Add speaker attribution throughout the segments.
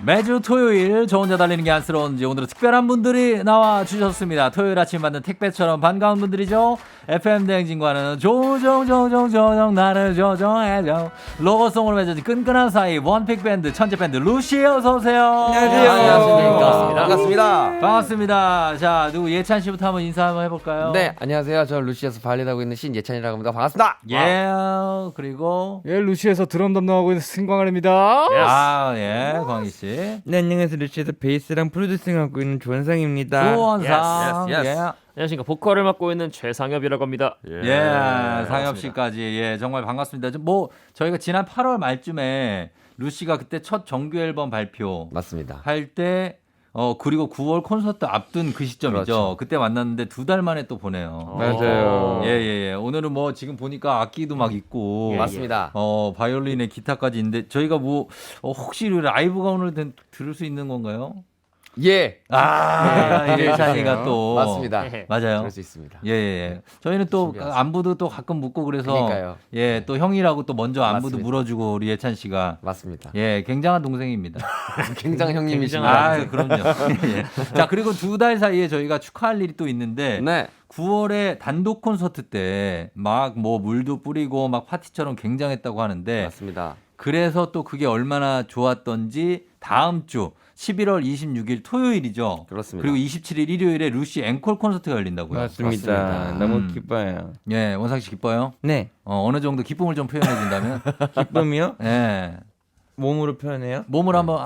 Speaker 1: 매주 토요일 저 혼자 달리는 게 안쓰러운지 오늘은 특별한 분들이 나와 주셨습니다. 토요일 아침 받는 택배처럼 반가운 분들이죠. FM 대행진과는 조정 나를 조정해줘 로고송으로 맺어진 끈끈한 사이 원픽 밴드 천재 밴드 루시 어서 오세요.
Speaker 2: 안녕하세요.
Speaker 1: 안녕하십니까.
Speaker 2: 반갑습니다.
Speaker 1: 반갑습니다. 자 누구 예찬 씨부터 한번 인사 한번 해볼까요?
Speaker 2: 네, 안녕하세요. 저 루시에서 발리하고 있는 신예찬이라고 합니다. 반갑습니다.
Speaker 1: 예 그리고
Speaker 3: 예, 루시에서 드럼 담당하고 있는 승광을입니다.
Speaker 1: 아예 광희 씨.
Speaker 4: 네, 안녕하세요. 루시에서 베이스랑 프로듀싱하고 있는 조원상입니다.
Speaker 1: 조원상
Speaker 2: Yes.
Speaker 1: 예.
Speaker 5: 안녕하십니까. 보컬을 맡고 있는 최상엽이라고 합니다.
Speaker 1: 예, 상엽 씨까지 예 정말 반갑습니다. 뭐 저희가 지난 8월 말쯤에 루시가 그때 첫 정규 앨범 발표
Speaker 2: 맞습니다.
Speaker 1: 할 때 그리고 9월 콘서트 앞둔 그 시점이죠.
Speaker 2: 그렇죠.
Speaker 1: 그때 만났는데 2달 만에 또 보네요.
Speaker 4: 맞아요.
Speaker 1: 예. 오늘은 뭐 지금 보니까 악기도 막 있고
Speaker 5: 예,
Speaker 2: 맞습니다.
Speaker 1: 바이올린에 기타까지 있는데 저희가 뭐 혹시 라이브가 오늘 들을 수 있는 건가요?
Speaker 2: 예,
Speaker 1: 예찬이가 또
Speaker 2: 맞습니다.
Speaker 1: 맞아요.
Speaker 2: 그럴 수 있습니다.
Speaker 1: 예. 저희는 또
Speaker 2: 준비하세요.
Speaker 1: 안부도 또 가끔 묻고 그래서
Speaker 2: 그러니까요.
Speaker 1: 예, 또 형이라고 또 먼저 안부도
Speaker 2: 맞습니다.
Speaker 1: 물어주고 우리 예찬 씨가
Speaker 2: 맞습니다.
Speaker 1: 예, 굉장한 동생입니다.
Speaker 2: 굉장히 형님이십니다.
Speaker 1: 아, 그럼요. 예. 자, 그리고 2달 사이에 저희가 축하할 일이 또 있는데
Speaker 2: 네,
Speaker 1: 9월에 단독 콘서트 때 막 뭐 물도 뿌리고 막 파티처럼 굉장했다고 하는데
Speaker 2: 맞습니다.
Speaker 1: 그래서 또 그게 얼마나 좋았던지 다음 주 11월 26일 토요일이죠.
Speaker 2: 그렇습니다.
Speaker 1: 그리고 27일 일요일에 루시 앵콜 콘서트가 열린다고요.
Speaker 4: 맞습니다.
Speaker 2: 맞습니다.
Speaker 4: 너무 기뻐요.
Speaker 1: 예, 원상 씨 기뻐요?
Speaker 4: 네,
Speaker 1: 어느 정도 기쁨을 좀 표현해 준다면?
Speaker 4: 기쁨이요?
Speaker 1: 예.
Speaker 4: 몸으로 표현해요?
Speaker 1: 몸을 한번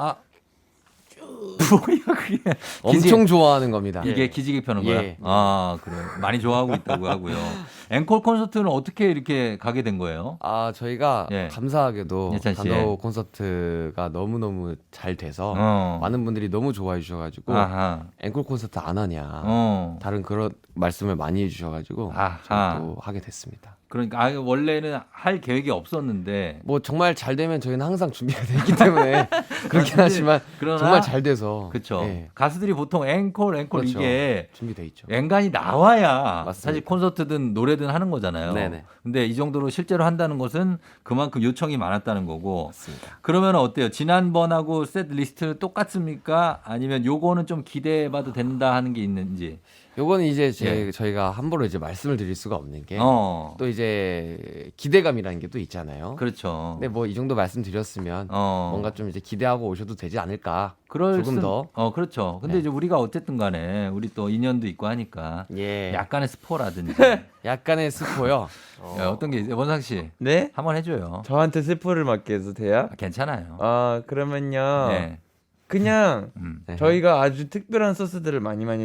Speaker 1: 뭐야 그게?
Speaker 2: 엄청 좋아하는 겁니다.
Speaker 1: 이게 기지개 펴는 거야?
Speaker 2: 예.
Speaker 1: 아, 그래요. 많이 좋아하고 있다고 하고요. 앵콜 콘서트는 어떻게 이렇게 가게 된 거예요?
Speaker 2: 아, 저희가
Speaker 1: 예.
Speaker 2: 감사하게도
Speaker 1: 예찬 씨.
Speaker 2: 단독 콘서트가 너무너무 잘 돼서 많은 분들이 너무 좋아해 주셔가지고
Speaker 1: 아하.
Speaker 2: 앵콜 콘서트 안 하냐 다른 그런 말씀을 많이 해주셔가지고
Speaker 1: 아하.
Speaker 2: 또 하게 됐습니다.
Speaker 1: 그러니까 원래는 할 계획이 없었는데
Speaker 2: 뭐 정말 잘 되면 저희는 항상 준비가 돼 있기 때문에 그렇긴 하지만
Speaker 1: 그러나
Speaker 2: 정말 잘 돼서
Speaker 1: 그렇죠.
Speaker 2: 예,
Speaker 1: 가수들이 보통 앵콜
Speaker 2: 그렇죠.
Speaker 1: 이게
Speaker 2: 준비돼 있죠.
Speaker 1: 앵간히 나와야
Speaker 2: 맞습니다.
Speaker 1: 사실 콘서트든 노래든 하는 거잖아요.
Speaker 2: 네네.
Speaker 1: 근데 이 정도로 실제로 한다는 것은 그만큼 요청이 많았다는 거고.
Speaker 2: 맞습니다.
Speaker 1: 그러면 어때요? 지난번하고 셋 리스트 똑같습니까? 아니면 요거는 좀 기대해봐도 된다 하는 게 있는지.
Speaker 2: 요거는 이제
Speaker 1: 예.
Speaker 2: 저희가 함부로 이제 말씀을 드릴 수가 없는 게 또
Speaker 1: 어,
Speaker 2: 이제 기대감이라는 게 또 있잖아요.
Speaker 1: 그렇죠.
Speaker 2: 근데 뭐 이 정도 말씀드렸으면 뭔가 좀 이제 기대하고 오셔도 되지 않을까. 조금 더.
Speaker 1: 그렇죠. 근데
Speaker 2: 네.
Speaker 1: 이제 우리가 어쨌든 간에 우리 또 인연도 있고 하니까
Speaker 2: 예.
Speaker 1: 약간의 스포라든지
Speaker 2: 약간의 스포요.
Speaker 1: 어떤 게 있어요? 원상 씨
Speaker 4: 네?
Speaker 1: 한번 해줘요.
Speaker 4: 저한테 슬퍼를 맡게 해도 돼요?
Speaker 1: 괜찮아요.
Speaker 4: 그러면요.
Speaker 1: 네.
Speaker 4: 그냥
Speaker 2: 네.
Speaker 4: 저희가 아주 특별한 소스들을 많이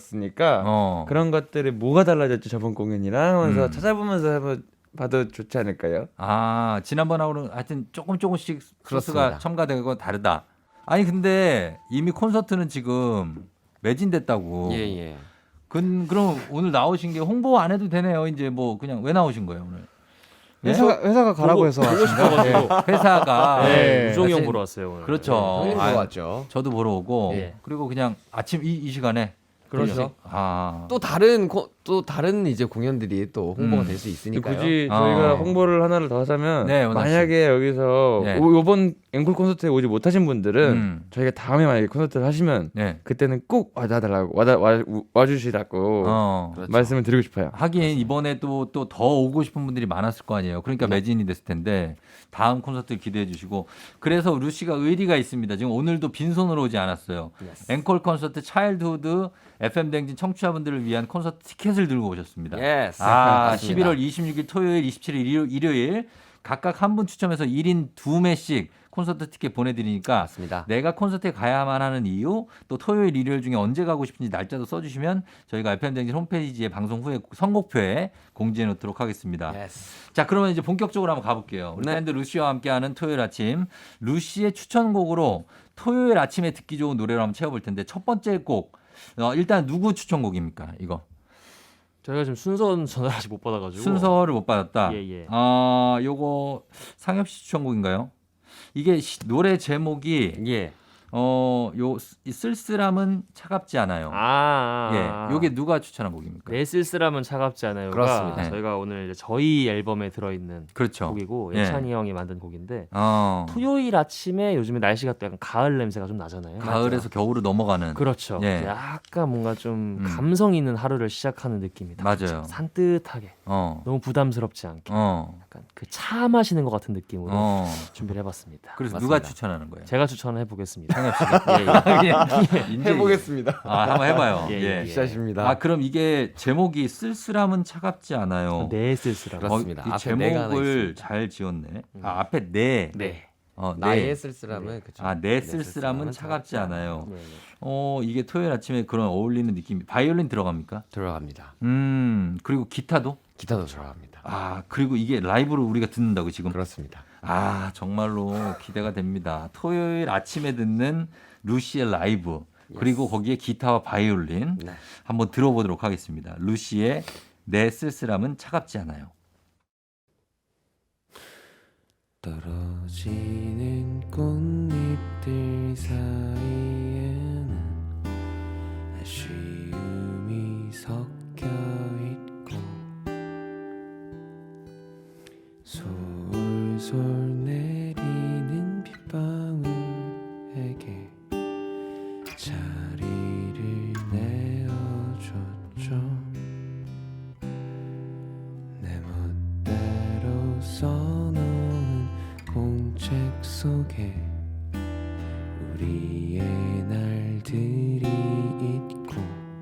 Speaker 4: 넣어뒀으니까 그런 것들이 뭐가 달라졌지 저번 공연이랑 하면서 찾아보면서 봐도 좋지 않을까요?
Speaker 1: 아, 지난번하고는 하여튼 조금씩 소스가
Speaker 2: 그렇습니다.
Speaker 1: 첨가되고 다르다. 아니, 근데 이미 콘서트는 지금 매진됐다고.
Speaker 2: 예.
Speaker 1: 그럼 오늘 나오신 게 홍보 안 해도 되네요. 이제 뭐 그냥 왜 나오신 거예요, 오늘? 예?
Speaker 3: 회사가 가라고 해서
Speaker 5: 보고 싶어가지고
Speaker 1: 회사가.
Speaker 3: 네.
Speaker 5: 우종이 형
Speaker 1: 사실-
Speaker 5: 보러 왔어요 오늘.
Speaker 1: 그렇죠.
Speaker 2: 형님
Speaker 1: 아,
Speaker 2: 들어왔죠.
Speaker 1: 저도 보러 오고.
Speaker 5: 예.
Speaker 1: 그리고 그냥 아침 이 시간에.
Speaker 2: 그렇죠.
Speaker 1: 아.
Speaker 2: 또 다른 이제 공연들이 또 홍보가 될 수 있으니까요.
Speaker 4: 굳이 저희가
Speaker 1: 어.
Speaker 4: 홍보를 하나를 더 하자면
Speaker 1: 네, 원하 씨.
Speaker 4: 만약에 여기서
Speaker 1: 네.
Speaker 4: 요번 앵콜 콘서트에 오지 못하신 분들은 저희가 다음에 만약에 콘서트를 하시면
Speaker 1: 네.
Speaker 4: 그때는 꼭 와주시라고
Speaker 2: 그렇죠.
Speaker 4: 말씀을 드리고 싶어요.
Speaker 1: 하긴 이번에 또 더 오고 싶은 분들이 많았을 거 아니에요. 그러니까
Speaker 2: 네.
Speaker 1: 매진이 됐을 텐데 다음 콘서트 기대해 주시고 그래서 루시가 의리가 있습니다. 지금 오늘도 빈손으로 오지 않았어요.
Speaker 2: Yes.
Speaker 1: 앵콜 콘서트 차일드후드 FM 댕진 청취자분들을 위한 콘서트 티켓을 들고 오셨습니다.
Speaker 2: Yes.
Speaker 1: 아,
Speaker 2: 맞습니다.
Speaker 1: 11월 26일 토요일, 27일 일요일 각각 한 분 추첨해서 1인 2매씩 콘서트 티켓 보내드리니까
Speaker 2: 맞습니다.
Speaker 1: 내가 콘서트에 가야만 하는 이유 또 토요일, 일요일 중에 언제 가고 싶은지 날짜도 써주시면 저희가 FM댕진 홈페이지에 방송 후에 선곡표에 공지해 놓도록 하겠습니다.
Speaker 2: Yes.
Speaker 1: 자, 그러면 이제 본격적으로 한번 가볼게요. 우리
Speaker 2: 네.
Speaker 1: 밴드 루시와 함께하는 토요일 아침 루시의 추천곡으로 토요일 아침에 듣기 좋은 노래를 한번 채워볼 텐데 첫 번째 곡 일단 누구 추천곡입니까? 이거
Speaker 5: 저희가 지금 순서 전화를 아직 못 받아가지고
Speaker 1: 순서를 못 받았다.
Speaker 5: 예.
Speaker 1: 요거 상엽 씨 추천곡인가요? 이게 노래 제목이
Speaker 2: 예.
Speaker 1: 이 쓸쓸함은 차갑지 않아요. 예, 요게 누가 추천한 곡입니까?
Speaker 5: 내 쓸쓸함은 차갑지 않아요가
Speaker 2: 그렇습니다.
Speaker 5: 저희가 오늘 이제 저희 앨범에 들어있는
Speaker 1: 그렇죠.
Speaker 5: 곡이고
Speaker 1: 예.
Speaker 5: 예찬이 형이 만든 곡인데
Speaker 1: 어,
Speaker 5: 토요일 아침에 요즘에 날씨가 또 약간 가을 냄새가 좀 나잖아요.
Speaker 1: 가을에서 겨울로 넘어가는.
Speaker 5: 그렇죠.
Speaker 1: 예.
Speaker 5: 약간 뭔가 좀
Speaker 1: 음.
Speaker 5: 감성 있는 하루를 시작하는 느낌이 딱
Speaker 1: 맞아요.
Speaker 5: 산뜻하게 너무 부담스럽지 않게 약간 그 차 마시는 것 같은 느낌으로 준비를 해봤습니다.
Speaker 1: 그래서
Speaker 5: 맞습니다.
Speaker 1: 누가 추천하는 거예요?
Speaker 5: 제가 추천해 보겠습니다.
Speaker 1: 창엽 씨가.
Speaker 4: 해보겠습니다.
Speaker 1: 한번 해봐요.
Speaker 5: 예,
Speaker 1: 예.
Speaker 5: 예.
Speaker 4: 시작입니다.
Speaker 1: 그럼 이게 제목이 쓸쓸함은 차갑지 않아요.
Speaker 5: 내 쓸쓸함.
Speaker 2: 그렇습니다.
Speaker 1: 이
Speaker 2: 앞에 내가 하나
Speaker 1: 제목을
Speaker 2: 있습니다.
Speaker 1: 잘 지었네. 앞에 네.
Speaker 5: 네.
Speaker 2: 나의
Speaker 1: 네.
Speaker 2: 쓸쓸함은 그쵸.
Speaker 1: 내 쓸쓸함은 차갑지 않아요.
Speaker 5: 네, 네.
Speaker 1: 이게 토요일 아침에 그런 어울리는 느낌이. 바이올린 들어갑니까?
Speaker 2: 들어갑니다.
Speaker 1: 그리고 기타도?
Speaker 2: 기타도 들어갑니다.
Speaker 1: 그리고 이게 라이브로 우리가 듣는다고 지금?
Speaker 2: 그렇습니다.
Speaker 1: 정말로 기대가 됩니다. 토요일 아침에 듣는 루시의 라이브. 그리고 거기에 기타와 바이올린.
Speaker 2: 네.
Speaker 1: 한번 들어보도록 하겠습니다. 루시의 내 쓸쓸함은 차갑지 않아요.
Speaker 6: 떨어지는 꽃잎들 사이에는 아쉬움이 섞여 있고 솔솔 내리는 빗방울에게 자리를 내어줬죠. 내 멋대로 써놓은 공책 속에 우리의 날들이 있고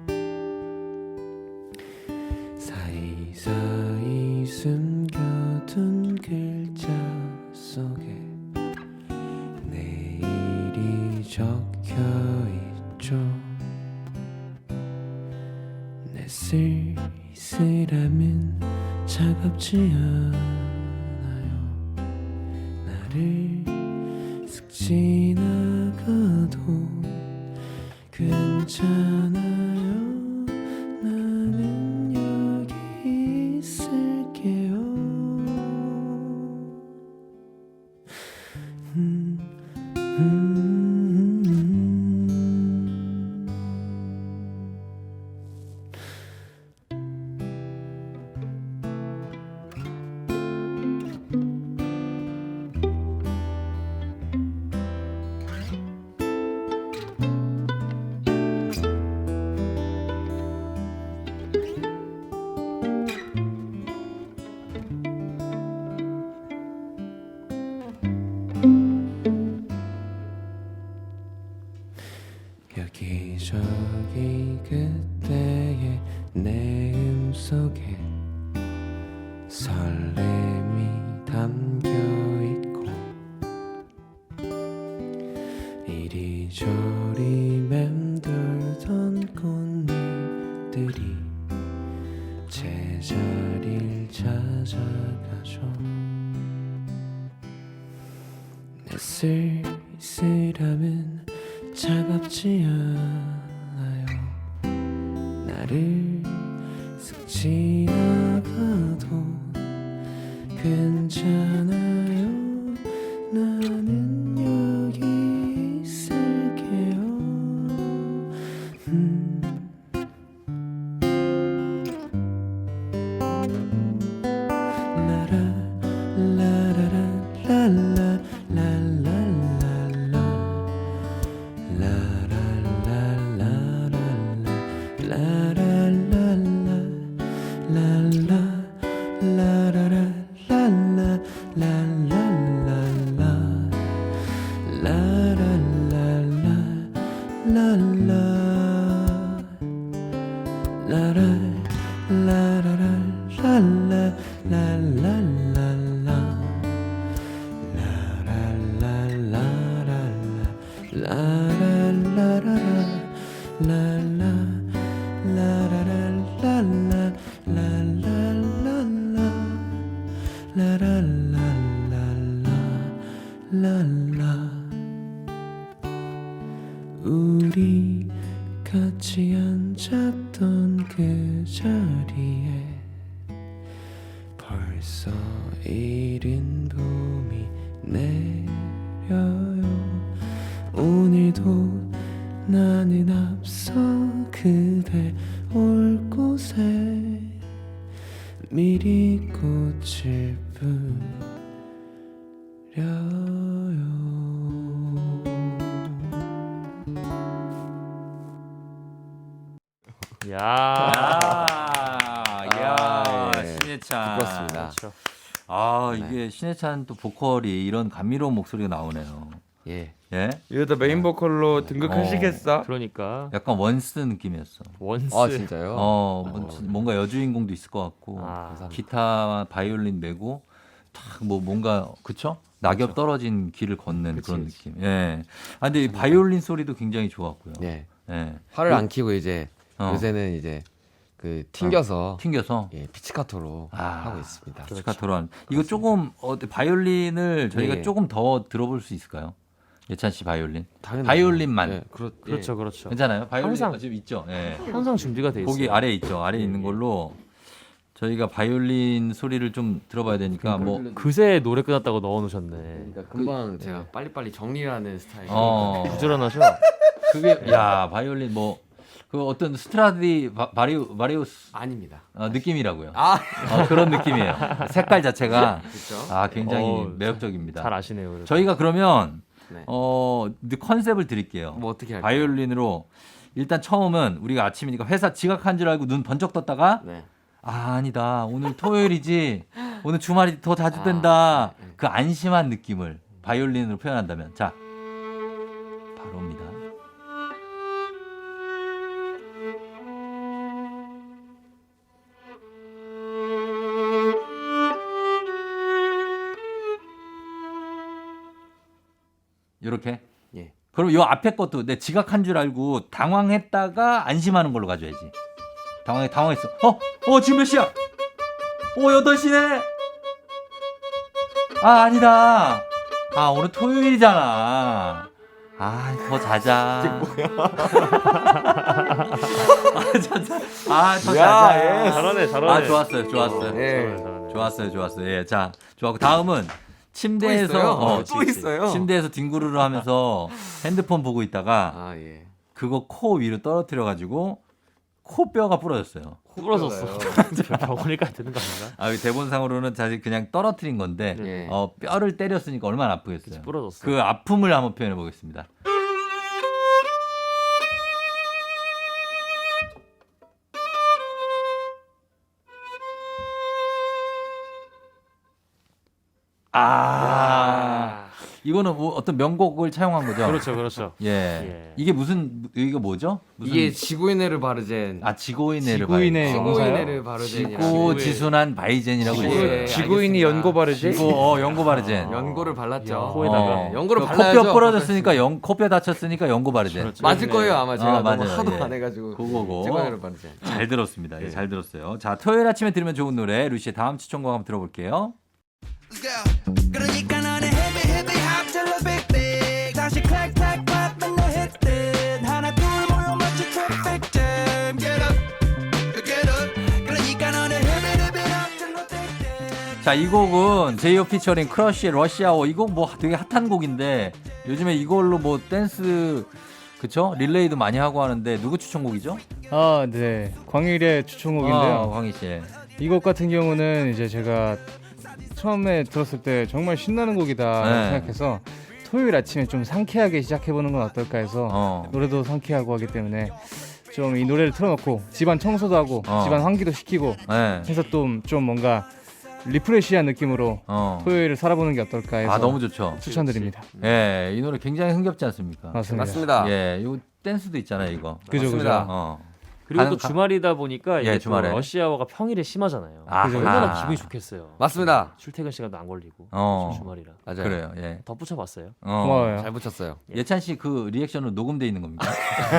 Speaker 6: 사이사이 숨겨둔 글자 속에 내일이 적혀있죠. 내 쓸쓸함은 차갑지 않아요. 나를 슥 지나가도 괜찮아요. 나는 여기 있을게요. 여기저기 그때의 내음 속에 설렘이 담겨있고 이리저리 맴돌던 꽃잎들이 제자리를 찾아가죠. 내 쓸쓸함은 차갑지 않아요. 나를 슥 지나가도 괜찮아요. 나는 여기 있을게요. 라라 라라라 랄라 랄랄랄라 우리 같이 앉았던 그 자리에 벌써 이른 봄이 내려요. 오늘도 나는 앞서 그대 올 곳에 미리 꽃을 뿌려요.
Speaker 5: 야.
Speaker 1: 신해찬.
Speaker 2: 그렇습니다.
Speaker 5: 그렇죠.
Speaker 1: 이게 신해찬 또 보컬이 이런 감미로운 목소리가 나오네요.
Speaker 2: 예.
Speaker 1: 예?
Speaker 4: 이러다 메인 보컬로 등극하시겠어?
Speaker 5: 그러니까
Speaker 1: 약간 원스 느낌이었어.
Speaker 5: 원스.
Speaker 2: 아 진짜요?
Speaker 1: 뭔가 여주인공도 있을 것 같고 기타 바이올린 메고 딱 뭐 뭔가 그쵸? 낙엽 떨어진 길을 걷는 그런 느낌. 예. 근데 이 바이올린 소리도 굉장히 좋았고요.
Speaker 2: 예.
Speaker 1: 예.
Speaker 2: 팔을 안 키고 이제 요새는 이제 그 튕겨서
Speaker 1: 예,
Speaker 2: 피치카토로 하고 있습니다.
Speaker 1: 피치카토로 한. 이거 조금 바이올린을 저희가
Speaker 2: 예.
Speaker 1: 조금 더 들어볼 수 있을까요? 예찬 씨 바이올린.
Speaker 2: 당연하죠.
Speaker 1: 바이올린만.
Speaker 2: 예,
Speaker 5: 그렇죠.
Speaker 1: 괜찮아요? 바이올린
Speaker 5: 항상
Speaker 1: 지금 있죠. 예.
Speaker 5: 항상 준비가 돼 있어요.
Speaker 1: 거기 아래에 있죠. 아래에 있는 걸로 저희가 바이올린 소리를 좀 들어봐야 되니까 뭐
Speaker 5: 그새 노래 끝났다고 넣어놓으셨네.
Speaker 2: 그러니까 금방 제가 빨리빨리 정리하는 스타일.
Speaker 5: 부지런하셔.
Speaker 1: 그게 야 바이올린 뭐 그 어떤 스트라디 바리우스
Speaker 2: 아닙니다.
Speaker 1: 느낌이라고요.
Speaker 2: 아
Speaker 1: 그런 느낌이에요. 색깔 자체가
Speaker 2: 그렇죠.
Speaker 1: 굉장히 매력적입니다.
Speaker 5: 잘 아시네요. 그래도.
Speaker 1: 저희가 그러면
Speaker 2: 네.
Speaker 1: 컨셉을 드릴게요.
Speaker 2: 뭐 어떻게 할까요?
Speaker 1: 바이올린으로 일단 처음은 우리가 아침이니까 회사 지각한 줄 알고 눈 번쩍 떴다가
Speaker 2: 네.
Speaker 1: 아니다 오늘 토요일이지 오늘 주말이 더 자주 된다
Speaker 2: 네.
Speaker 1: 그 안심한 느낌을 바이올린으로 표현한다면 자 바로입니다. 이렇게.
Speaker 2: 예.
Speaker 1: 그럼 요 앞에 것도 내 지각한 줄 알고 당황했다가 안심하는 걸로 가져야지. 당황했어. 지금 몇 시야? 8시네. 아니다. 오늘 토요일이잖아. 더 자자. 이게 뭐야? 더 자자.
Speaker 5: 잘하네.
Speaker 1: 좋았어요.
Speaker 2: 예.
Speaker 1: 좋았어요. 예, 자, 좋았고 다음은 침대에서
Speaker 2: 또 있어요.
Speaker 1: 침대에서 뒹구르르 하면서 핸드폰 보고 있다가
Speaker 2: 예.
Speaker 1: 그거 코 위로 떨어뜨려 가지고 코뼈가 부러졌어요.
Speaker 5: 부러졌어. 병원에까지 드는 거 아닌가?
Speaker 1: 대본상으로는 사실 그냥 떨어뜨린 건데
Speaker 2: 예.
Speaker 1: 뼈를 때렸으니까 얼마나 아프겠어요.
Speaker 5: 부러졌어.
Speaker 1: 그 아픔을 한번 표현해 보겠습니다. 이거는 뭐 어떤 명곡을 차용한 거죠?
Speaker 5: 그렇죠.
Speaker 1: 예. 이게 이게 뭐죠?
Speaker 2: 이게 지구인해를 바르젠.
Speaker 3: 지구인의
Speaker 2: 지구인해를 바르젠.
Speaker 1: 지구지순한 바이젠이라고 있어요.
Speaker 4: 지구인이 연고 바르지?
Speaker 1: 연고 바르젠.
Speaker 2: 연고를 발랐죠.
Speaker 5: 코에다가.
Speaker 2: 연고를 발라야죠.
Speaker 1: 코뼈 부러졌으니까 코뼈 다쳤으니까 연고 바르젠.
Speaker 2: 맞을 거예요 아마 제가 너무
Speaker 1: 맞아요.
Speaker 2: 하도
Speaker 1: 예.
Speaker 2: 안 해가지고.
Speaker 1: 그거고.
Speaker 2: 지구인해를 바르젠.
Speaker 1: 잘 들었습니다. 예, 잘 들었어요. 자, 토요일 아침에 들으면 좋은 노래 루시의 다음 추천곡 한번 들어볼게요.
Speaker 7: 그러니까 너는 헤비 합질러 빅빅 다시 클릭 받는 너 hit듯 하나 둘 모여 마치 traffic jam get up 그러니까 너는 헤비 합질러 빅빅
Speaker 1: 자, 이 곡은 제이오 피처링 크러쉬의 러시아워. 이 곡 뭐 되게 핫한 곡인데 요즘에 이걸로 뭐 댄스 그쵸? 릴레이도 많이 하고 하는데 누구 추천곡이죠?
Speaker 3: 네. 광일의 추천곡인데요.
Speaker 1: 광희 씨.
Speaker 3: 이 곡 같은 경우는 이제 제가 처음에 들었을 때 정말 신나는 곡이다
Speaker 1: 네.
Speaker 3: 생각해서 토요일 아침에 좀 상쾌하게 시작해보는 건 어떨까 해서 노래도 상쾌하고 하기 때문에 좀 이 노래를 틀어놓고 집안 청소도 하고 집안 환기도 시키고 해서 좀 뭔가 리프레시한 느낌으로 토요일을 살아보는 게 어떨까 해서
Speaker 1: 너무 좋죠.
Speaker 3: 추천드립니다.
Speaker 1: 예, 이 노래 굉장히 흥겹지 않습니까?
Speaker 3: 맞습니다.
Speaker 1: 예, 요 댄스도 있잖아요, 이거.
Speaker 3: 그죠.
Speaker 5: 그리고 또 주말이다 보니까 이게
Speaker 1: 주말에.
Speaker 5: 또 러시아워가 평일에 심하잖아요.
Speaker 1: 그죠.
Speaker 5: 얼마나 기분이 좋겠어요.
Speaker 2: 맞습니다.
Speaker 5: 출퇴근 시간도 안 걸리고 주말이라.
Speaker 2: 맞아요.
Speaker 1: 그래요. 예.
Speaker 5: 덧붙여봤어요.
Speaker 3: 고마워요.
Speaker 2: 잘 붙였어요.
Speaker 1: 예찬 씨 그 리액션은 녹음돼 있는 겁니까?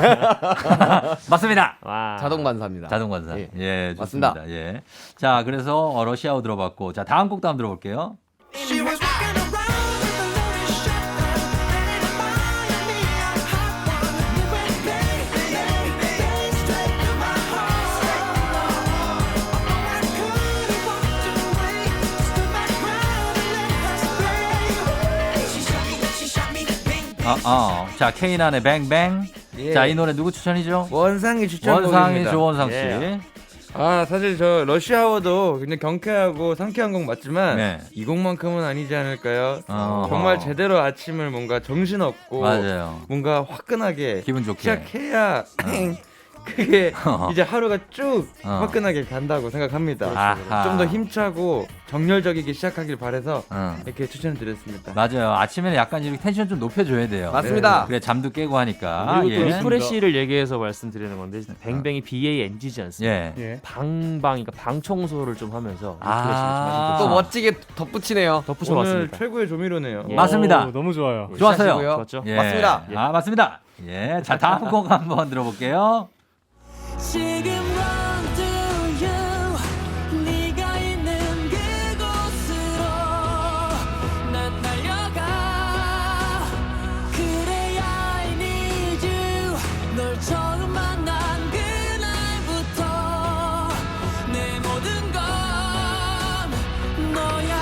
Speaker 1: 맞습니다.
Speaker 5: 와.
Speaker 2: 자동 반사입니다.
Speaker 1: 자동 관사.
Speaker 2: 예.
Speaker 1: 예, 좋습니다.
Speaker 2: 맞습니다.
Speaker 1: 예. 자, 그래서 러시아워 들어봤고, 자 다음 곡도 한번 들어볼게요.
Speaker 7: She was walking around with a loaded shotgun ready to fire me a hot one you went bang straight to my heart I couldn't walk away stood my ground and let her spray she shot me
Speaker 1: 자, 케이난의 뱅뱅.
Speaker 4: 예.
Speaker 1: 자, 이 노래 누구 추천이죠?
Speaker 4: 원상이 추천곡입니다.
Speaker 1: 원상이 조원상 씨.
Speaker 5: 예.
Speaker 4: 사실 저 러시아워도 굉장히 경쾌하고 상쾌한 곡 맞지만
Speaker 1: 네.
Speaker 4: 이 곡만큼은 아니지 않을까요?
Speaker 1: 어허.
Speaker 4: 정말 제대로 아침을 뭔가 정신없고
Speaker 1: 맞아요.
Speaker 4: 뭔가 화끈하게
Speaker 1: 기분 좋게.
Speaker 4: 시작해야 그게 이제 하루가 쭉
Speaker 1: 어.
Speaker 4: 화끈하게 간다고 생각합니다.
Speaker 1: 아하.
Speaker 4: 좀 더 힘차고 정열적이게 시작하길 바래서
Speaker 1: 어.
Speaker 4: 이렇게 추천드렸습니다.
Speaker 1: 맞아요. 아침에는 약간 이렇게 텐션 좀 높여줘야 돼요.
Speaker 2: 맞습니다.
Speaker 1: 그래 잠도 깨고 하니까.
Speaker 5: 그리고 또
Speaker 1: 예.
Speaker 5: 리프레시를 얘기해서 말씀드리는 건데 뱅뱅이 BANG지 않습니까?
Speaker 1: 예.
Speaker 3: 예.
Speaker 5: 그러니까 방 청소를 좀 하면서
Speaker 1: 아.
Speaker 5: 리프레시를 좀 하시면
Speaker 2: 또 멋지게 덧붙이네요.
Speaker 5: 덧붙여
Speaker 4: 오늘
Speaker 5: 봤습니다.
Speaker 4: 최고의 조미료네요.
Speaker 5: 예.
Speaker 1: 맞습니다.
Speaker 3: 오, 너무 좋아요.
Speaker 1: 좋았어요.
Speaker 2: 시작이고요.
Speaker 5: 좋았죠?
Speaker 1: 예.
Speaker 2: 맞습니다.
Speaker 1: 아, 맞습니다. 예. 자, 다음 곡 한번 들어볼게요.
Speaker 7: 지금 run to you 네가 있는 그곳으로 난 달려가 그래 I need you 널 처음 만난 그날부터 내 모든 건 너야.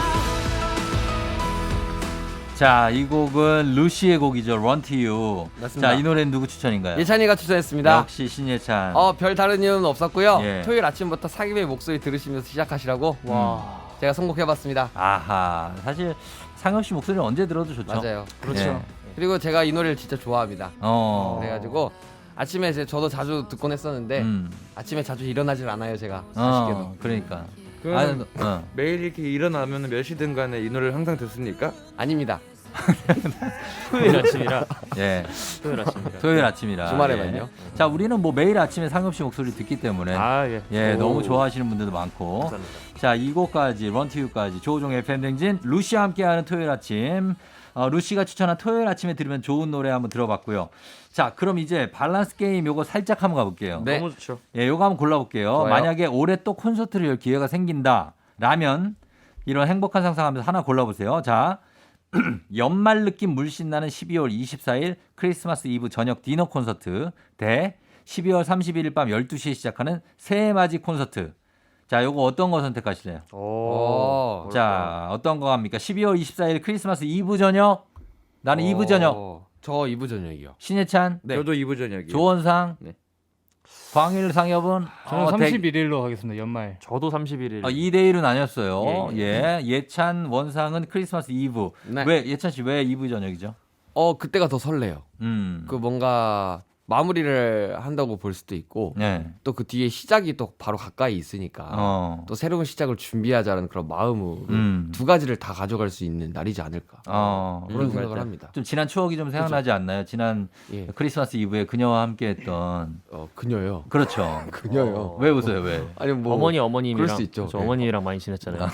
Speaker 1: 자, 이 곡은 루시의 곡이죠. Run to You.
Speaker 2: 맞습니다.
Speaker 1: 자, 이 노래는 누구 추천인가요?
Speaker 2: 예찬이가 추천했습니다.
Speaker 1: 역시 신예찬.
Speaker 2: 별 다른 이유는 없었고요.
Speaker 1: 예.
Speaker 2: 토요일 아침부터 사기의 목소리 들으시면서 시작하시라고 제가 선곡해봤습니다.
Speaker 1: 아하. 사실 상엽 씨 목소리는 언제 들어도 좋죠.
Speaker 2: 맞아요.
Speaker 1: 그렇죠. 예.
Speaker 2: 그리고 제가 이 노래를 진짜 좋아합니다. 그래가지고 아침에 저도 자주 듣곤 했었는데 아침에 자주 일어나질 않아요, 제가. 아쉽게도.
Speaker 1: 그러니까.
Speaker 4: 그럼
Speaker 1: 아,
Speaker 4: 매일 이렇게 일어나면 몇 시든 간에 이 노래를 항상 듣습니까?
Speaker 2: 아닙니다.
Speaker 5: 토요일 아침이라
Speaker 1: 예.
Speaker 5: 토요일 아침이라
Speaker 1: 토요일 아침이라.
Speaker 2: 주말에만요.
Speaker 1: 예. 자, 우리는 뭐 매일 아침에 상엽 씨 목소리 듣기 때문에
Speaker 5: 예.
Speaker 1: 예,
Speaker 2: 오.
Speaker 1: 너무 좋아하시는 분들도 많고.
Speaker 5: 감사합니다.
Speaker 1: 자, 이 곡까지 런투유까지 조우종의 FM 댕진 루시와 함께하는 토요일 아침. 루시가 추천한 토요일 아침에 들으면 좋은 노래 한번 들어봤고요. 자, 그럼 이제 밸런스 게임 요거 살짝 한번 가볼게요.
Speaker 2: 네.
Speaker 5: 너무 좋죠.
Speaker 1: 예, 요거 한번 골라볼게요.
Speaker 2: 좋아요.
Speaker 1: 만약에 올해 또 콘서트를 열 기회가 생긴다라면 이런 행복한 상상하면서 하나 골라보세요. 자, 연말 느낌 물씬 나는 12월 24일 크리스마스 이브 저녁 디너 콘서트 대 12월 31일 밤 12시에 시작하는 새해 맞이 콘서트. 자, 요거 어떤 거 선택하실래요?
Speaker 2: 오.
Speaker 1: 자, 어떤 거 합니까? 12월 24일 크리스마스 이브 저녁. 나는 이브 저녁.
Speaker 2: 저 이브 저녁이요.
Speaker 1: 신예찬,
Speaker 2: 네.
Speaker 4: 저도 이부 저녁이요.
Speaker 1: 조원상,
Speaker 4: 네.
Speaker 1: 광일 상엽은
Speaker 3: 저는 31일로 하겠습니다. 연말.
Speaker 5: 저도 31일.
Speaker 1: 2대1은 아니었어요.
Speaker 5: 예,
Speaker 1: 예찬, 원상은 크리스마스 이브.
Speaker 2: 네.
Speaker 1: 왜 예찬 씨 왜 이브 저녁이죠?
Speaker 2: 그때가 더 설레요. 그 뭔가 마무리를 한다고 볼 수도 있고
Speaker 1: 네.
Speaker 2: 또 그 뒤에 시작이 또 바로 가까이 있으니까 또 새로운 시작을 준비하자는 그런 마음으로 두 가지를 다 가져갈 수 있는 날이지 않을까 그런 생각을 합니다.
Speaker 1: 좀 지난 추억이 좀 생각나지 않나요? 지난
Speaker 2: 예.
Speaker 1: 크리스마스 이브에 그녀와 함께했던
Speaker 2: 그녀요.
Speaker 1: 그렇죠.
Speaker 2: 그녀요.
Speaker 1: 왜 웃어요? 왜?
Speaker 2: 아니 뭐
Speaker 5: 어머님이랑
Speaker 2: 그럴 수 있죠.
Speaker 5: 저
Speaker 2: 네.
Speaker 5: 어머님이랑 많이 지냈잖아요.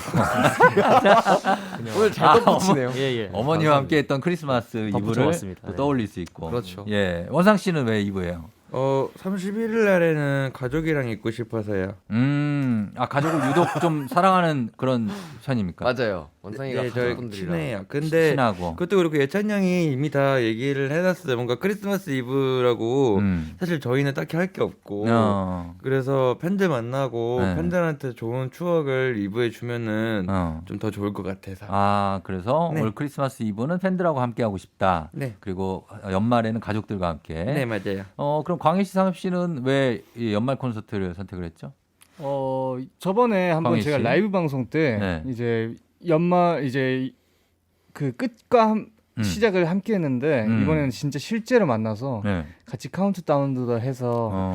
Speaker 2: 오늘 잘 덧붙이네요.
Speaker 5: 예.
Speaker 1: 어머니와 함께했던 크리스마스
Speaker 5: 덧붙여
Speaker 1: 이브를
Speaker 5: 봤습니다.
Speaker 1: 또
Speaker 5: 네.
Speaker 1: 떠올릴 수 있고.
Speaker 2: 그렇죠.
Speaker 1: 예, 원상 씨는 왜 이브예요?
Speaker 4: 31일 날에는 가족이랑 있고 싶어서요.
Speaker 1: 가족을 유독 좀 사랑하는 그런 편입니까?
Speaker 2: 맞아요. 원상이가
Speaker 4: 네, 저희
Speaker 2: 가족분들이랑
Speaker 4: 친해요. 근데
Speaker 1: 친하고.
Speaker 4: 그것도 그렇고 예찬 형이 이미 다 얘기를 해놨어요. 뭔가 크리스마스 이브라고 사실 저희는 딱히 할 게 없고 그래서 팬들 만나고
Speaker 1: 네.
Speaker 4: 팬들한테 좋은 추억을 이브에 주면은 좀 더 좋을 것 같아서.
Speaker 1: 그래서
Speaker 4: 네.
Speaker 1: 올 크리스마스 이브는 팬들하고 함께 하고 싶다.
Speaker 4: 네.
Speaker 1: 그리고 연말에는 가족들과 함께.
Speaker 4: 네 맞아요.
Speaker 1: 그럼 광희 씨, 상엽 씨는 왜 이 연말 콘서트를 선택을 했죠?
Speaker 3: 저번에 한번
Speaker 1: 광희
Speaker 3: 제가
Speaker 1: 씨?
Speaker 3: 라이브 방송 때
Speaker 1: 네.
Speaker 3: 이제 연말 이제 그 끝과 시작을 함께 했는데 이번에는 진짜 실제로 만나서
Speaker 1: 네.
Speaker 3: 같이 카운트다운도 해서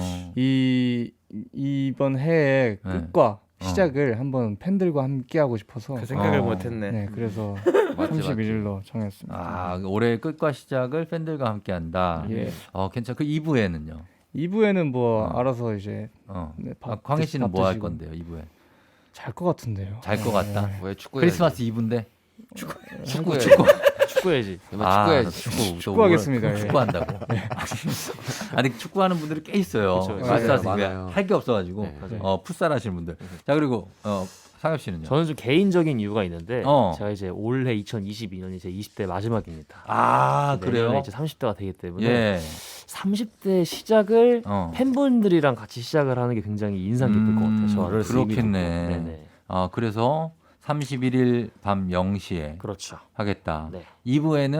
Speaker 3: 이번 해의 끝과 시작을 한번 팬들과 함께 하고 싶어서
Speaker 4: 그 생각을 못했네.
Speaker 3: 네, 그래서
Speaker 2: 맞지.
Speaker 3: 31일로 정했습니다.
Speaker 1: 올해 끝과 시작을 팬들과 함께 한다.
Speaker 3: 예.
Speaker 1: 괜찮. 그 2부에는요?
Speaker 3: 2부에는 뭐 알아서 이제 네,
Speaker 1: 광희 씨는 뭐 할
Speaker 3: 드시고.
Speaker 1: 건데요? 2부에
Speaker 3: 잘 것 같은데요.
Speaker 1: 잘 것 같다.
Speaker 2: 왜 축구
Speaker 1: 크리스마스 이브인데
Speaker 2: 축구
Speaker 5: 축구해야지.
Speaker 2: 축구해야지.
Speaker 3: 축구하겠습니다. 예.
Speaker 1: 축구한다고. 아니 축구하는 분들이 꽤 있어요.
Speaker 5: 그렇죠.
Speaker 1: 크리스마스
Speaker 2: 맞아요,
Speaker 1: 이브에
Speaker 2: 맞아요.
Speaker 1: 할 게 없어가지고
Speaker 2: 네.
Speaker 1: 풋살 하시는 분들. 자, 그리고 상엽 씨는요?
Speaker 5: 저는 좀 개인적인 이유가 있는데
Speaker 1: 어.
Speaker 5: 제가 이제 올해 2022년이 제 20대 마지막입니다.
Speaker 1: 그래요?
Speaker 5: 내년에 이제 30대가 되기 때문에
Speaker 1: 예.
Speaker 5: 30대 시작을
Speaker 1: 어.
Speaker 5: 팬분들이랑 같이 시작을 하는 게 굉장히 인상 깊을 것 같아요. 저를
Speaker 1: 그렇겠네.
Speaker 5: 네네.
Speaker 1: 그래서 31일 밤 0시에
Speaker 5: 그렇죠.
Speaker 1: 하겠다.
Speaker 5: 네.
Speaker 1: 2부에는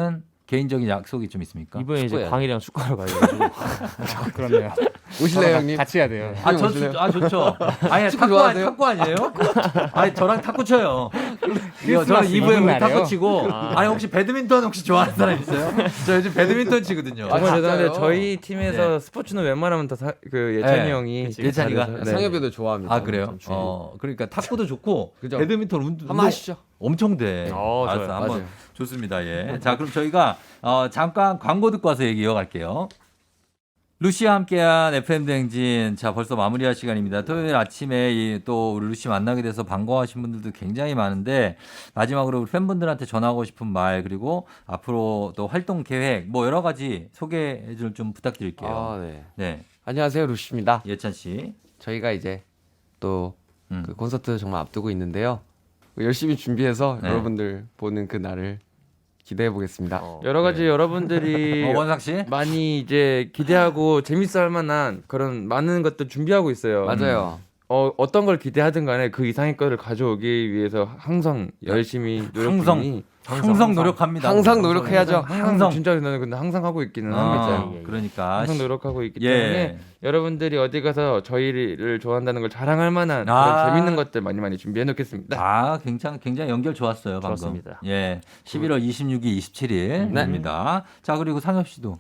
Speaker 1: 개인적인 약속이 좀 있습니까?
Speaker 5: 이번에 이제
Speaker 2: 축구해야죠.
Speaker 5: 광일이랑 축구하러 가야죠.
Speaker 3: 그렇네요.
Speaker 2: 오실래요, 형님?
Speaker 3: 같이 해야 돼요.
Speaker 1: 좋죠. 아니,
Speaker 2: 축구 좋아하세요?
Speaker 1: 탁구 아니에요? 아니, 저랑 탁구 쳐요. 저는
Speaker 3: 크리스마스
Speaker 1: 2부에 우리
Speaker 3: 이브날에요?
Speaker 1: 탁구 치고, 아니, 혹시 배드민턴 혹시 좋아하는 사람 있어요? 저 요즘 배드민턴 치거든요.
Speaker 4: 정말 죄송한데
Speaker 2: 진짜요?
Speaker 4: 저희 팀에서
Speaker 1: 네.
Speaker 4: 스포츠는 웬만하면 그 예찬이
Speaker 1: 네.
Speaker 4: 형이
Speaker 1: 예찬이가?
Speaker 4: 잘해서,
Speaker 2: 네. 상엽이도 좋아합니다.
Speaker 1: 아, 그래요? 그러니까 탁구도 좋고,
Speaker 2: 그죠?
Speaker 1: 배드민턴 운동
Speaker 2: 한번 하시죠.
Speaker 1: 엄청 돼.
Speaker 5: 좋아요.
Speaker 1: 알았어, 한번
Speaker 2: 맞아요.
Speaker 1: 좋습니다. 예. 자, 그럼 저희가 잠깐 광고 듣고 와서 얘기 이어갈게요. 루시와 함께한 FM 대행진. 자, 벌써 마무리할 시간입니다. 토요일 아침에 또 우리 루시 만나게 돼서 반가워하신 분들도 굉장히 많은데 마지막으로 우리 팬분들한테 전하고 싶은 말 그리고 앞으로 또 활동 계획 뭐 여러 가지 소개해 줄 좀 부탁드릴게요.
Speaker 2: 아, 네.
Speaker 1: 네.
Speaker 2: 안녕하세요, 루시입니다.
Speaker 1: 예찬 씨.
Speaker 2: 저희가 이제 또
Speaker 1: 음.
Speaker 2: 그 콘서트 정말 앞두고 있는데요. 열심히 준비해서
Speaker 1: 네.
Speaker 2: 여러분들 보는 그 날을 기대해 보겠습니다.
Speaker 4: 여러 가지
Speaker 1: 네.
Speaker 4: 여러분들이
Speaker 1: 원상 씨?
Speaker 4: 많이 이제 기대하고 재밌어할 만한 그런 많은 것들 준비하고 있어요.
Speaker 2: 맞아요.
Speaker 4: 어떤 걸 기대하든 간에 그 이상의 거를 가져오기 위해서 항상 열심히 노력 중이니
Speaker 1: 항상 노력합니다.
Speaker 2: 항상 노력해야죠.
Speaker 4: 항상 진짜 저는 근데 항상 하고 있기는 합니다.
Speaker 1: 그러니까
Speaker 4: 항상 노력하고 있기
Speaker 1: 예.
Speaker 4: 때문에 여러분들이 어디 가서 저희를 좋아한다는 걸 자랑할 만한
Speaker 1: 아.
Speaker 4: 그런 재밌는 것들 많이 준비해 놓겠습니다.
Speaker 1: 아, 굉장히 연결 좋았어요, 방금.
Speaker 5: 좋았습니다.
Speaker 1: 예. 11월 26일, 27일입니다. 자, 그리고 상엽 씨도.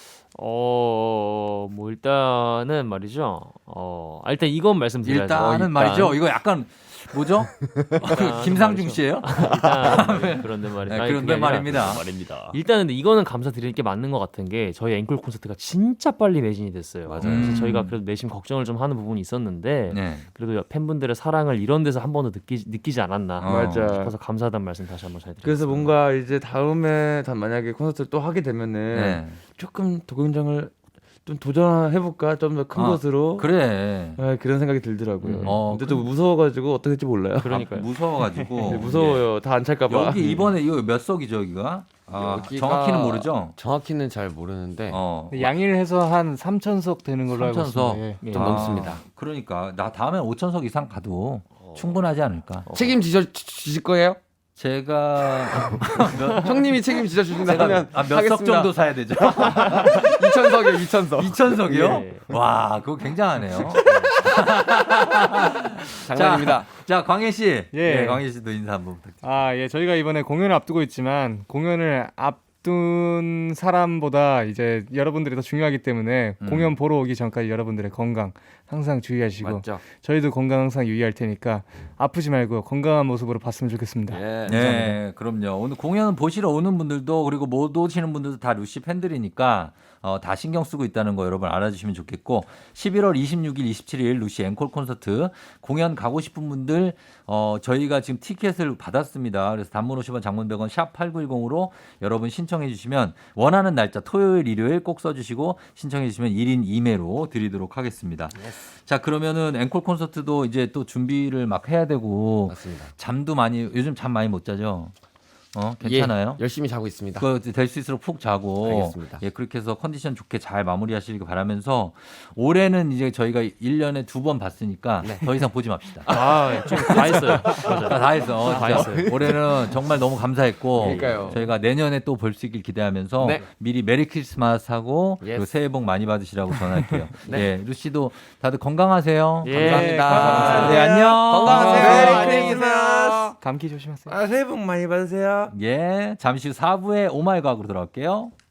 Speaker 5: 뭐 일단은 말이죠. 일단 이건 말씀드려야죠.
Speaker 1: 일단은 말이죠. 이거 약간 뭐죠? 김상중 씨예요?
Speaker 5: 일단 그런데 말이죠.
Speaker 1: 네, 그런데 말입니다.
Speaker 5: 일단은 근데 이거는 감사드리는 게 맞는 것 같은 게 저희 앵콜 콘서트가 진짜 빨리 매진이 됐어요.
Speaker 2: 맞아요.
Speaker 5: 그래서 저희가 그래도 내심 걱정을 좀 하는 부분이 있었는데
Speaker 1: 네.
Speaker 5: 그래도 팬분들의 사랑을 이런 데서 한 번도 느끼지 않았나
Speaker 4: 맞아.
Speaker 5: 싶어서 감사하다는 말씀 다시 한번 잘 드리겠습니다.
Speaker 4: 그래서 뭔가 이제 다음에 만약에 콘서트를 또 하게 되면은
Speaker 1: 네.
Speaker 4: 조금 도경장을 좀 도전해볼까 좀 더 큰 곳으로
Speaker 1: 그래.
Speaker 4: 네, 그런 생각이 들더라고요.
Speaker 1: 그-
Speaker 4: 근데 또 무서워가지고 어떻게 될지 몰라요.
Speaker 5: 그러니까요.
Speaker 1: 무서워가지고.
Speaker 4: 네, 무서워요. 다 안 찰까봐.
Speaker 1: 여기 이번에 이거 몇 석이죠, 여기가? 아,
Speaker 2: 여기가-
Speaker 1: 정확히는 모르죠?
Speaker 2: 정확히는 잘 모르는데
Speaker 3: 양일해서 한 3,000석 되는 걸로 알고
Speaker 1: 3,000석.
Speaker 3: 있습니다. 예.
Speaker 2: 좀 넘습니다.
Speaker 1: 그러니까 나 다음에 5,000석 이상 가도 충분하지 않을까?
Speaker 2: 책임지실 거예요?
Speaker 1: 제가
Speaker 2: 형님이 책임지셔 주신다면
Speaker 1: 몇 석 정도 사야 되죠?
Speaker 2: 2,000석이요, 2,000석.
Speaker 1: 2,000석이요?
Speaker 5: 예.
Speaker 1: 와, 그거 굉장하네요.
Speaker 2: 장난입니다.
Speaker 1: 자, 광희 씨.
Speaker 3: 예.
Speaker 1: 광희 씨도 인사 한번 부탁드립니다.
Speaker 3: 예, 저희가 이번에 공연을 앞두고 있지만 공연을 앞둔 사람보다 이제 여러분들이 더 중요하기 때문에 공연 보러 오기 전까지 여러분들의 건강 항상 주의하시고
Speaker 2: 맞죠?
Speaker 3: 저희도 건강 항상 유의할 테니까 아프지 말고 건강한 모습으로 봤으면 좋겠습니다.
Speaker 2: 예.
Speaker 1: 네, 그럼요. 오늘 공연 보시러 오는 분들도 그리고 못 오시는 분들도 다 루시 팬들이니까 다 신경 쓰고 있다는 거 여러분 알아주시면 좋겠고 11월 26일, 27일 루시 앵콜 콘서트 공연 가고 싶은 분들 저희가 지금 티켓을 받았습니다. 그래서 단문 50원, 장문 100원 샵 8910으로 여러분 신청해 주시면 원하는 날짜 토요일, 일요일 꼭 써주시고 신청해 주시면 1인 2매로 드리도록 하겠습니다. 자, 그러면은 앵콜 콘서트도 이제 또 준비를 막 해야 되고
Speaker 2: 맞습니다.
Speaker 1: 잠도 많이 요즘 잠 많이 못 자죠? 괜찮아요?
Speaker 2: 예, 열심히 자고 있습니다.
Speaker 1: 될 수 있도록 푹 자고
Speaker 2: 알겠습니다.
Speaker 1: 예, 그렇게 해서 컨디션 좋게 잘 마무리하시길 바라면서 올해는 이제 저희가 1년에 2번 봤으니까 더 이상 보지 맙시다.
Speaker 5: 지금 다 했어요. 맞아요.
Speaker 1: 다 했어.
Speaker 5: 다
Speaker 1: 진짜.
Speaker 5: 했어요.
Speaker 1: 올해는 정말 너무 감사했고
Speaker 2: 그러니까요.
Speaker 1: 저희가 내년에 또 볼 수 있길 기대하면서
Speaker 2: 네.
Speaker 1: 미리 메리 크리스마스 하고
Speaker 2: 예스.
Speaker 1: 그리고 새해 복 많이 받으시라고 전할게요.
Speaker 2: 네.
Speaker 1: 예, 루시도 다들 건강하세요.
Speaker 5: 예,
Speaker 2: 감사합니다.
Speaker 1: 네, 안녕.
Speaker 2: 건강하세요.
Speaker 4: 안녕히 계세요.
Speaker 3: 감기 조심하세요.
Speaker 4: 새해 복 많이 받으세요.
Speaker 1: 예, 잠시 후 4부에 오마이 과학으로 돌아올게요.